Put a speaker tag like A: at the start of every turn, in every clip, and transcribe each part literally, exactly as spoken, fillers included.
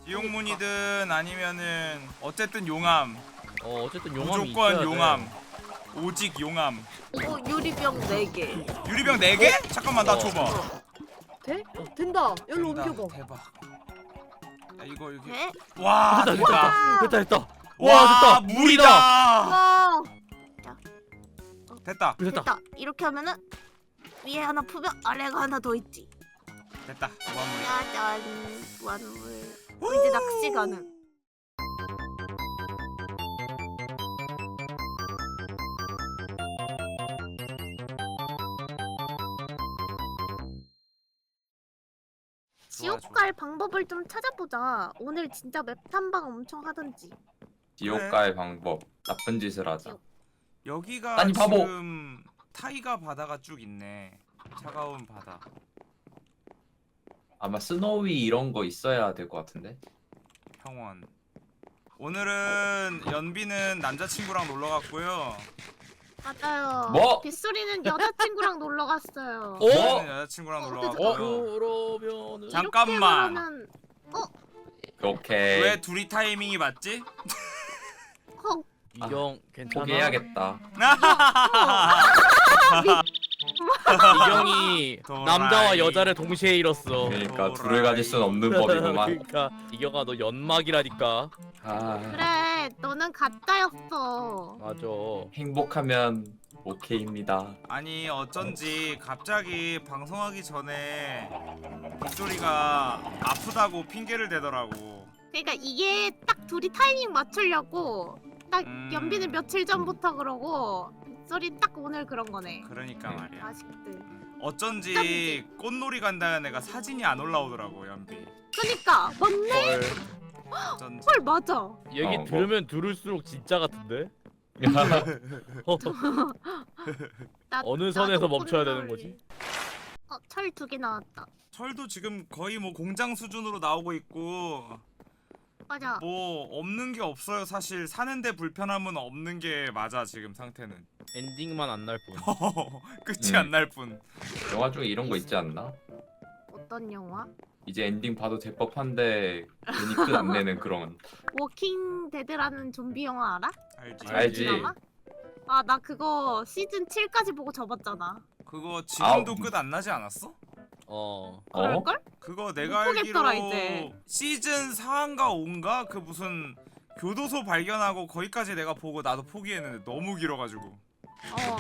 A: 지옥문이든 아니면은 어쨌든 용암.
B: 어 어쨌든 용암이
A: 무조건
B: 있어야
A: 용암.
B: 돼.
A: 오직 용암.
C: 어 유리병 네 개.
A: 유리병 네 개? 잠깐만 나
B: 어.
A: 줘봐.
C: 돼? 어, 된다. 여기로
A: 된다.
C: 옮겨봐.
A: 대박. 야, 이거 이렇게.
C: 돼?
A: 와
B: 됐다
A: 됐다.
B: 됐다 됐다.
A: 와
B: 와 됐다.
A: 물이다.
C: 와
A: 됐다.
B: 됐다.
C: 됐다. 이렇게 하면은 위에 하나 푸면 아래가 하나 더 있지.
A: 됐다. 무한물.
C: 짜잔 무한물. 어, 이제 낚시 가능. 지옥
A: 좋아.
C: 갈 방법을 좀 찾아보자. 오늘 진짜 맵 탐방 엄청 하던지.
D: 지옥
A: 그래.
D: 갈 방법. 나쁜 짓을 하자.
C: 지옥.
A: 여기가
D: 아니, 바보.
A: 지금 타이가 바다가 쭉 있네. 차가운 바다.
D: 아마 스노위 이런 거 있어야 될 것 같은데.
A: 평원. 오늘은 연비는 남자친구랑 놀러 갔고요.
C: 맞아요.
D: 뭐?
C: 빗소리는 여자친구랑 놀러 갔어요.
B: 어?
A: 저는 여자친구랑
C: 어,
A: 놀러
C: 어떡해.
A: 갔고요.
B: 그러면은
A: 잠- 잠깐만.
C: 이렇게 그러면
D: 오케이.
A: 왜 둘이 타이밍이 맞지?
C: 헉,
B: 이경 괜찮아?
D: 포기해야겠다.
B: 이경이
A: 도라이.
B: 남자와 여자를 동시에 잃었어.
D: 그러니까
A: 도라이.
D: 둘을 가질 순 없는 법이구만.
B: 그러니까 이경아 너 연막이라니까.
D: 아,
C: 그래, 너는 가짜였어.
B: 맞아.
D: 행복하면 오케이입니다.
A: 아니 어쩐지 갑자기 방송하기 전에 빗소리가 아프다고 핑계를 대더라고.
C: 그러니까 이게 딱 둘이 타이밍 맞추려고 딱
A: 음.
C: 연비는 며칠 전부터 그러고 빗소리 딱 오늘 그런 거네.
A: 그러니까
D: 네.
A: 말이야.
C: 아쉽들.
A: 어쩐지 꽃놀이 간다는 애가 사진이 안 올라오더라고 연비.
C: 그니까 맞네.
B: 헐.
A: 어쩐지.
C: 헐 맞아.
B: 얘기
D: 어, 뭐.
B: 들으면 들을수록 진짜 같은데?
C: 나,
B: 어느 선에서
C: 나도
B: 멈춰야
C: 꽃놀이.
B: 되는 거지?
C: 어, 철 두 개 나왔다.
A: 철도 지금 거의 뭐 공장 수준으로 나오고 있고
C: 맞아.
A: 뭐 없는 게 없어요. 사실 사는데 불편함은 없는 게 맞아 지금 상태는.
B: 엔딩만 안 날 뿐.
A: 끝이
D: 음.
A: 안 날 뿐.
D: 영화 중에 이런 거 있지 않나?
C: 어떤 영화?
D: 이제 엔딩 봐도 될 법한데 괜히 끝 안 내는 그런.
C: 워킹 데드라는 좀비 영화 알아?
A: 알지.
D: 알지.
C: 아, 나 그거 시즌 칠까지 보고 접었잖아.
A: 그거 지금도
D: 아우.
A: 끝 안 나지 않았어?
B: 어.
D: 어?
C: 그럴걸?
A: 그거 내가 알기로
C: 보겠더라, 이제.
A: 시즌 사인가 오인가 그 무슨 교도소 발견하고 거기까지 내가 보고 나도 포기했는데 너무 길어가지고.
C: 어.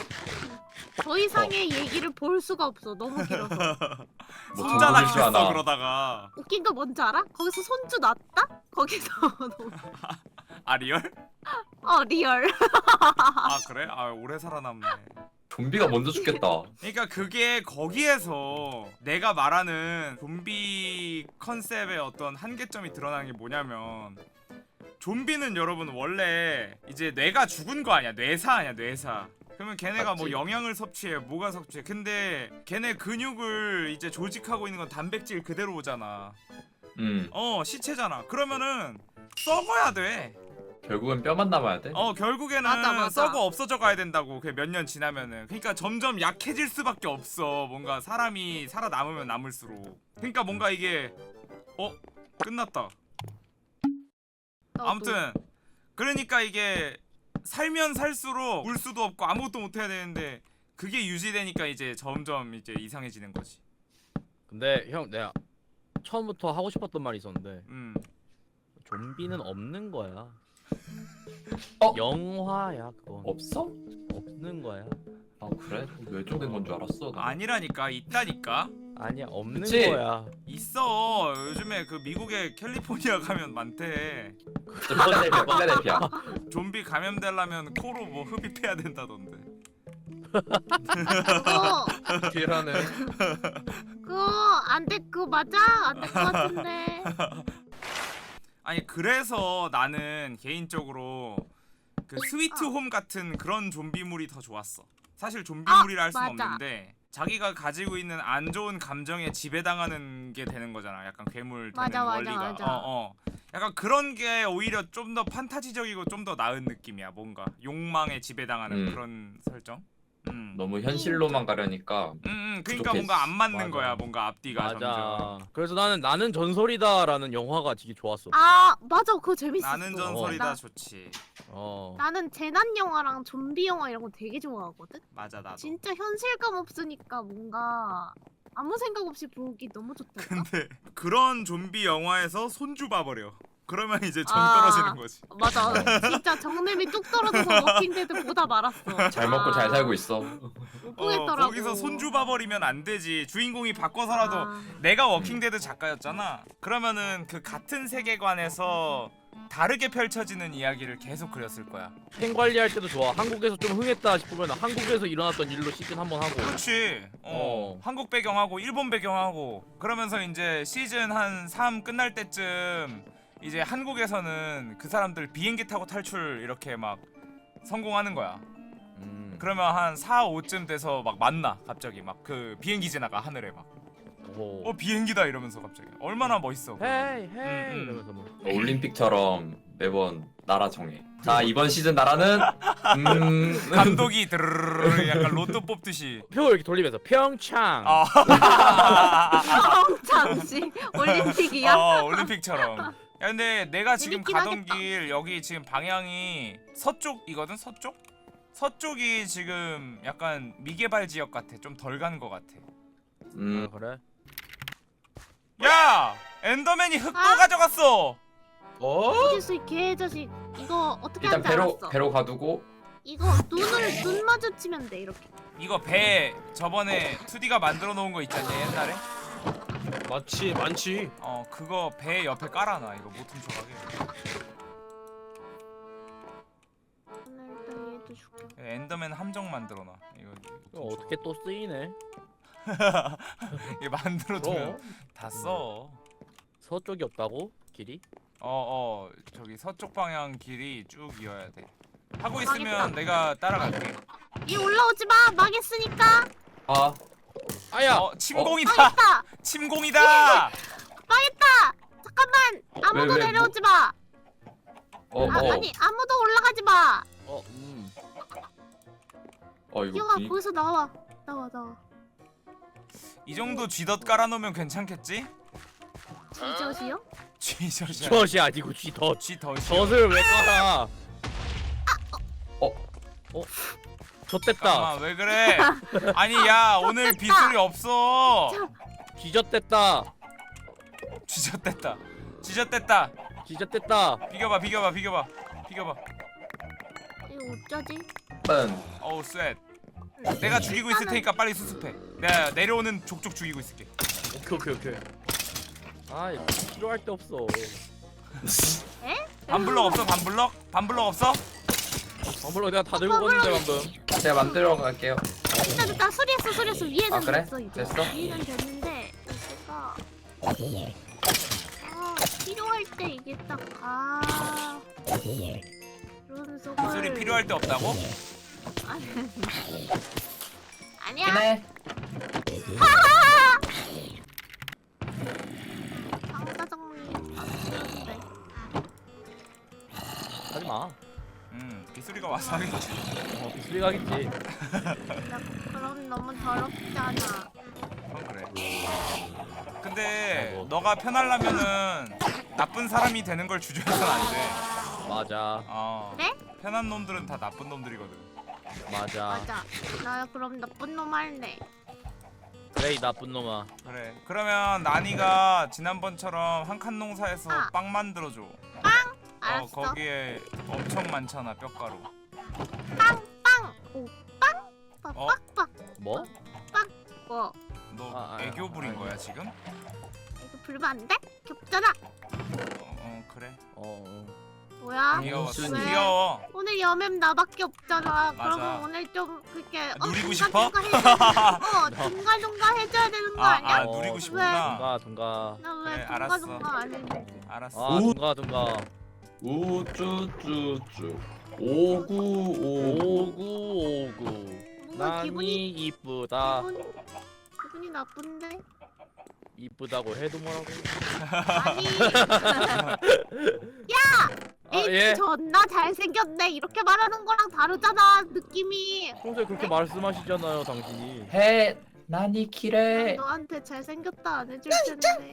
C: 더 이상의 얘기를 볼 수가 없어. 너무 길어서.
D: 뭐
A: 손자
D: 정보질 줄
A: 낳겠어
D: 아나.
A: 그러다가.
C: 웃긴 거 뭔지 알아? 거기서 손주 낳았다? 거기서 너무-
A: 아 리얼?
C: 어 리얼.
A: 아 그래? 아 오래 살아남네.
D: 좀비가 먼저 죽겠다.
A: 그러니까 그게 거기에서 내가 말하는 좀비 컨셉의 어떤 한계점이 드러나는 게 뭐냐면 좀비는 여러분 원래 이제 뇌가 죽은 거 아니야. 뇌사 아니야 뇌사. 그러면 걔네가 뭐
D: 맞지.
A: 영양을 섭취해 뭐가 섭취해. 근데 걔네 근육을 이제 조직하고 있는 건 단백질 그대로 오잖아.
D: 음,
A: 어 시체잖아. 그러면은 썩어야 돼.
D: 결국은 뼈만 남아야 돼.
A: 어 결국에는
C: 맞아, 맞아.
A: 썩어 없어져 가야 된다고. 그 몇 년 지나면은. 그러니까 점점 약해질 수밖에 없어. 뭔가 사람이 살아남으면 남을수록. 그러니까 뭔가 이게 어 끝났다.
C: 나도.
A: 아무튼 그러니까 이게 살면 살수록 울 수도 없고 아무것도 못 해야 되는데 그게 유지되니까 이제 점점 이제 이상해지는 거지.
B: 근데 형 내가 처음부터 하고 싶었던 말이 있었는데
A: 음.
B: 좀비는 없는 거야.
D: 어?
B: 영화야 그건.
D: 없어?
B: 없는 거야.
D: 아 그래? 멸종된 건 줄 알았어. 나.
A: 아니라니까 있다니까.
B: 아니야 없는
D: 그치?
B: 거야.
A: 있어. 요즘에 그 미국의 캘리포니아 가면 많대.
D: 필라델피아, 필라델피아.
A: 좀비 감염되려면 코로 뭐 흡입해야 된다던데.
C: 그거
D: 필하네.
C: 그거 안돼 그거 맞아? 안 될 것 같은데.
A: 아니 그래서 나는 개인적으로 그 스위트
C: 어.
A: 홈 같은 그런 좀비물이 더 좋았어. 사실 좀비물이라
C: 아,
A: 할 수는
C: 맞아.
A: 없는데 자기가 가지고 있는 안 좋은 감정에 지배당하는 게 되는 거잖아. 약간 괴물 되는
C: 맞아, 맞아,
A: 원리가.
C: 맞아.
A: 어, 어. 약간 그런 게 오히려 좀 더 판타지적이고 좀 더 나은 느낌이야. 뭔가 욕망에 지배당하는
D: 음.
A: 그런 설정. 음.
D: 너무 현실로만 가려니까
A: 음, 음, 그러니까
D: 부족했어.
A: 뭔가 안 맞는
B: 맞아.
A: 거야. 뭔가 앞뒤가 점점.
B: 맞아. 그래서 나는 나는 전설이다라는 영화가 되게 좋았어.
C: 아 맞아 그거 재밌었어.
A: 나는 전설이다
C: 나,
A: 좋지.
B: 어.
C: 나는 재난 영화랑 좀비 영화 이런 거 되게 좋아하거든.
A: 맞아 나도.
C: 진짜 현실감 없으니까 뭔가 아무 생각 없이 보기 너무 좋달까?
A: 근데 그런 좀비 영화에서 손주 봐버려. 그러면 이제 정
C: 아.
A: 떨어지는 거지.
C: 맞아 진짜 정냄이 뚝 떨어져서 워킹데드 보다 말았어.
D: 잘 먹고 잘 살고 있어.
C: 못
A: 어,
C: 보겠더라고.
A: 거기서 손주 봐버리면 안 되지. 주인공이 바꿔서라도
C: 아,
A: 내가 워킹데드 작가였잖아. 그러면은 그 같은 세계관에서 다르게 펼쳐지는 이야기를 계속 그렸을 거야.
B: 팬 관리할 때도 좋아. 한국에서 좀 흥했다 싶으면 한국에서 일어났던 일로 시즌 한번 하고.
A: 그렇지. 어,
B: 어.
A: 한국 배경하고 일본 배경하고 그러면서 이제 시즌 한 삼 끝날 때쯤 이제 한국에서는 그 사람들 비행기 타고 탈출 이렇게 막 성공하는 거야.
B: 음.
A: 그러면 한 사, 오쯤 돼서 막 만나 갑자기 막 그 비행기 지나가 하늘에 막
B: 오.
A: 어 비행기다 이러면서 갑자기 얼마나 멋있어.
B: 헤이 헤이
A: 음, 음.
B: 이러면서 뭐.
D: 올림픽처럼 매번 나라 정해. 자 이번 시즌 나라는 음
A: 감독이 드르르르 약간 로또 뽑듯이.
B: 표 이렇게 돌리면서 평창.
A: 아.
C: 잠시 올림픽이야.
A: 어, 올림픽처럼. 야 근데 내가 지금
C: 재밌긴
A: 가던
C: 하겠다.
A: 길 여기 지금 방향이 서쪽이거든. 서쪽? 서쪽이 지금 약간 미개발 지역 같아. 좀 덜 간 거 같아.
D: 음
B: 아, 그래?
A: 야! 엔더맨이 흙도
C: 아?
A: 가져갔어.
B: 어?
C: 이제스 개자식 이거 어떻게
D: 일단
C: 하는지
D: 배로
C: 알았어.
D: 배로 가두고
C: 이거 눈을 눈 마주치면 돼 이렇게.
A: 이거 배 저번에 투디가 만들어 놓은 거 있잖니 옛날에?
E: 많지 많지.
A: 어 그거 배 옆에 깔아놔. 이거 못 훔쳐가게.
C: 오늘 얘도 줄게.
A: 엔더맨 함정 만들어 놔. 이거
B: 이거 어떻게 또 쓰이네?
A: 이게 만들어 두면
B: 그럼
A: 다 써.
B: 서쪽이 없다고? 길이?
A: 어어 저기 서쪽 방향 길이 쭉 이어야 돼. 하고 있으면
C: 망했다.
A: 내가 따라갈게.
C: 이 올라오지 마 망했으니까.
D: 아
B: 아야.
A: 어 침공이다.
C: 망했다
A: 침공이다.
C: 망했다. 잠깐만 아무도
D: 왜, 왜,
C: 내려오지 마.
D: 어,
C: 아,
D: 어,
C: 아니 아무도 올라가지 마.
B: 어, 음.
D: 어 이거
C: 기영아
D: 분위-
C: 거기서 나와 나와 나와.
A: 이 정도 쥐덫 깔아놓으면 괜찮겠지?
C: 지저시요?
A: 쥐덫이야.
B: 젖이 아니고 쥐덫.
A: 쥐덫이.
B: 젖을 왜 깔아?
D: 어?
B: 어? 젖됐다.
A: 잠깐만 왜 그래? 아니 야 오늘 빗소리 없어.
B: 쥐젖됐다.
A: 쥐젖됐다. 쥐젖됐다.
B: 쥐젖됐다.
A: 비교봐 비교봐 비교봐 비교봐.
C: 이거 어쩌지?
D: 뻔.
A: 어우 쎄. 내가 죽이고 있을 테니까 빨리 수습해. 내가 내려오는 족족 죽이고 있을게.
B: 오케이 오케이 오케이. 아 이거 필요할 데 없어.
A: 반블럭 없어 반블럭? 반블럭 없어?
B: 방불로 내가 다 들고 갔는데 방금.
D: 제가 만들어 갈게요.
C: 됐다 됐다 수리했어 수리했어 위에는
D: 아, 그래?
C: 됐어 이제.
D: 됐어?
C: 위에는 됐는데 제가 아 필요할 때 이게 딱아 이러면서
A: 빗소리 필요할 때 없다고?
C: 아니 아니야
D: 기네.
C: 장사장님 아쉬운데
B: 하지 마.
A: 음 빗소리가 와서 하겠지.
B: 어 비수리 가겠지.
C: 나 그럼 너무 더럽잖아.
A: 그건 그래. 근데
B: 아이고.
A: 너가 편하려면은 나쁜 사람이 되는 걸 주저해서는 안 돼.
B: 맞아.
A: 어.
C: 네?
A: 편한 놈들은 다 나쁜 놈들이거든.
B: 맞아.
C: 맞아 나 그럼 나쁜 놈 할래.
B: 그래 이 나쁜 놈아.
A: 그래. 그러면 나니가 지난번처럼 한 칸 농사에서
C: 아.
A: 빵 만들어줘.
C: 알았어.
A: 어 거기에 엄청 많잖아 뼈가루.
C: 빵빵 오빵
A: 어?
C: 빡빡
B: 뭐?
C: 뭐
A: 너
B: 아, 아,
A: 애교 부린
B: 아,
A: 거야 지금?
C: 이거 불면 안 돼? 겹잖아.
A: 어, 어 그래.
B: 어. 어.
C: 뭐야?
A: 귀여워.
B: 무슨
A: 귀여워.
C: 오늘 여맴 나밖에 없잖아.
A: 맞아.
C: 그러면 오늘 좀 그렇게
A: 누리고
C: 중간중간
A: 싶어?
C: 해줘야 어 중간중간 해줘야 되는 거
A: 아,
C: 아니야?
A: 아 누리고 싶구나.
B: 둥가 둥가.
C: 나 왜
A: 그래, 알았어.
C: 중간중간 안 해?
A: 알았어.
B: 아 둥가 둥가.
D: 우쭈쭈쭈. 오구 오구.
B: 오구 오구.
C: 뭔가 기분이
B: 난이 이쁘다.
C: 기분, 기분이 나쁜데?
B: 이쁘다고 해도 뭐라고?
C: 아니 야! 에이
B: 예.
C: 존나 잘생겼네 이렇게 말하는 거랑 다르잖아 느낌이.
B: 평소에 그렇게 말씀하시잖아요, 당신이.
D: 해 나니키레.
C: 너한테 잘생겼다 안 해줄 텐데.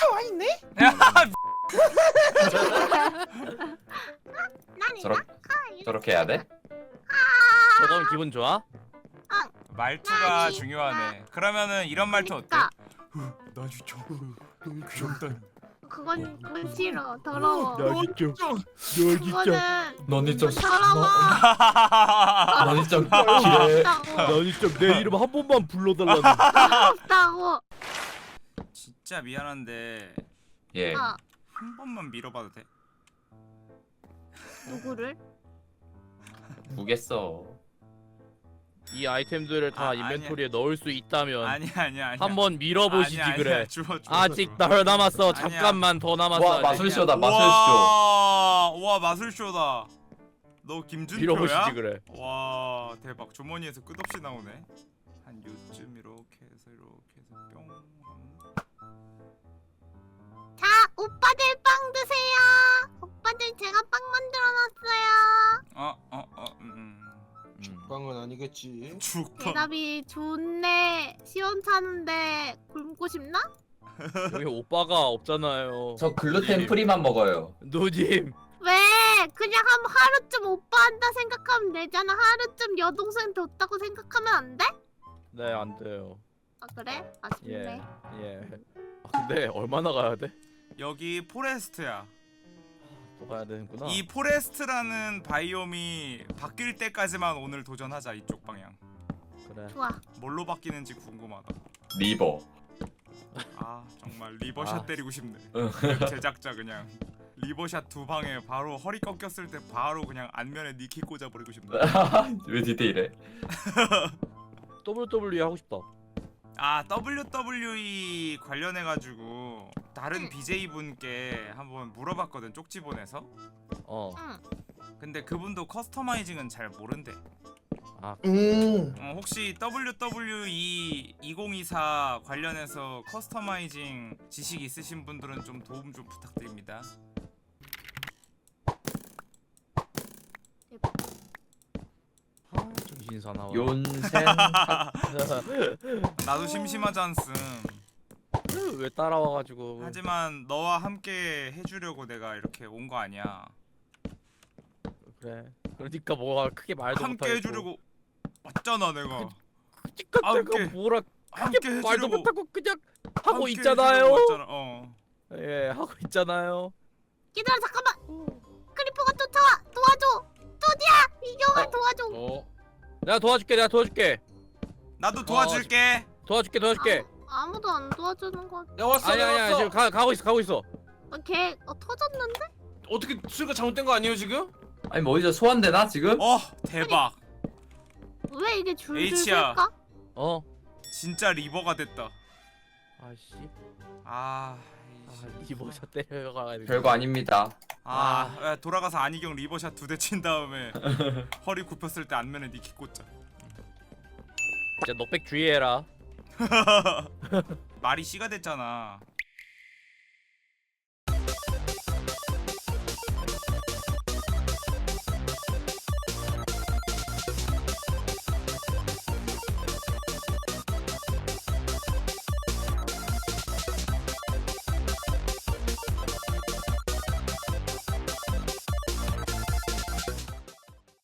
C: 나니
D: 저렇 저렇게 해야 돼?
B: 저거면 기분 좋아?
A: 말투가
C: 아니.
A: 중요하네. 그러면은 이런 말투 어때?
C: 그러니까
A: 나 진짜 너무 귀엽다.
C: 그건 그건 싫어 더러워.
B: 진짜. 너
C: 그거는
D: 너니 좀
C: 더러워.
D: 너니 좀 기레.
C: 없다고
B: 진짜 내 이름 한 번만 불러달라는.
C: 없다고.
A: 진짜 미안한데
D: 예.
C: 어
A: 한 번만 밀어봐도 돼?
C: 누구를?
D: 무겠어.
B: 이 아이템들을 다
A: 아,
B: 인벤토리에 넣을 수 있다면
A: 아니야 아니야 아니야.
B: 한번 밀어보시지
A: 아니야,
B: 그래.
A: 아니야. 주워, 주워,
B: 아직
A: 주워.
B: 덜 남았어.
A: 아니야.
B: 잠깐만 더 남았어.
D: 와 마술쇼다 마술쇼.
A: 와, 와 마술쇼다. 너 김준표야?
B: 밀어보시지 그래.
A: 와 대박. 주머니에서 끝없이 나오네. 한 요쯤 이렇게 해서 이렇게 해서 뿅.
C: 자 오빠들 빵 드세요. 오빠들 제가 빵 만들어놨어요.
A: 어어어 음. 음.
E: 빵은 아니겠지.
A: 죽.
C: 대답이 좋네. 시원찮은데 굶고 싶나?
B: 여기 오빠가 없잖아요.
D: 저 글루텐 프리만 먹어요.
B: 누님.
C: 왜? 그냥 한 하루쯤 오빠 한다 생각하면 되잖아. 하루쯤 여동생 뒀다고 생각하면 안 돼?
B: 네, 안 돼요.
C: 아 그래?
B: 예.
C: 아쉽네.
B: 예. 아, 근데 얼마나 가야 돼?
A: 여기 포레스트야.
B: 또 가야 되는구나.
A: 이 포레스트라는 바이옴이 바뀔 때까지만 오늘 도전하자. 이쪽 방향.
B: 그래.
C: 좋아.
A: 뭘로 바뀌는지 궁금하다.
D: 리버.
A: 아 정말 리버샷
B: 아.
A: 때리고 싶네.
D: 응.
A: 제작자 그냥 리버샷 두 방에 바로 허리 꺾였을 때 바로 그냥 안면에 니키 꽂아버리고 싶네.
D: 왜 디테일해?
B: 더블유더블유이 하고 싶다.
A: 아 더블유더블유이 관련해가지고 다른
C: 응.
A: 비제이 분께 한번 물어봤거든. 쪽지 보내서.
B: 어.
C: 응.
A: 근데 그분도 커스터마이징은 잘 모른대.
B: 아,
E: 음.
A: 어, 혹시 더블유더블유이 이천이십사 관련해서 커스터마이징 지식 있으신 분들은 좀 도움 좀 부탁드립니다.
B: 아 정신 사나워.
D: 윤센.
A: 나도 심심하지 않음.
B: 왜 따라와가지고.
A: 하지만 너와 함께 해주려고 내가 이렇게 온 거 아니야.
B: 그래. 그러니까 뭐가 크게 말도
A: 함께
B: 못하겠고.
A: 해주려고 왔잖아 내가.
B: 그러니까
A: 함께.
B: 내가 뭐라
A: 함께
B: 크게 말도
A: 해주려고
B: 못하고 그냥 하고
A: 함께
B: 있잖아요.
A: 해주려고 왔잖아. 어.
B: 예, 하고 있잖아요.
C: 얘들아 잠깐만. 크리퍼가 쫓아와. 도와줘. 토디야 이경아
D: 어.
C: 도와줘.
B: 어. 내가 도와줄게. 내가 도와줄게.
A: 나도 도와줄게.
B: 도와줄게. 도와줄게.
C: 아무, 아무도 안 도와주는 거.
E: 야 왔어.
B: 아니
E: 야,
B: 아니 아니
E: 왔어.
B: 지금 가 가고 있어. 가고 있어.
C: 어, 걔 어, 터졌는데?
E: 어떻게 수리가 잘못된 거 아니에요 지금?
D: 아니 뭐 이제 소환되나 지금?
A: 어 대박.
C: 왜 이게 줄줄
A: H야.
C: 셀까?
B: 어.
A: 진짜 리버가 됐다.
B: 아씨.
A: 아.
B: 아,
A: 이씨.
B: 리버샷 때려가지고.
D: 별거 아닙니다.
A: 아, 야, 돌아가서 안희경 리버샷 두 대 친 다음에 허리 굽혔을 때 안면에 니키 꽂자.
B: 진짜 넉백 주의해라.
A: 말이 씨가 됐잖아.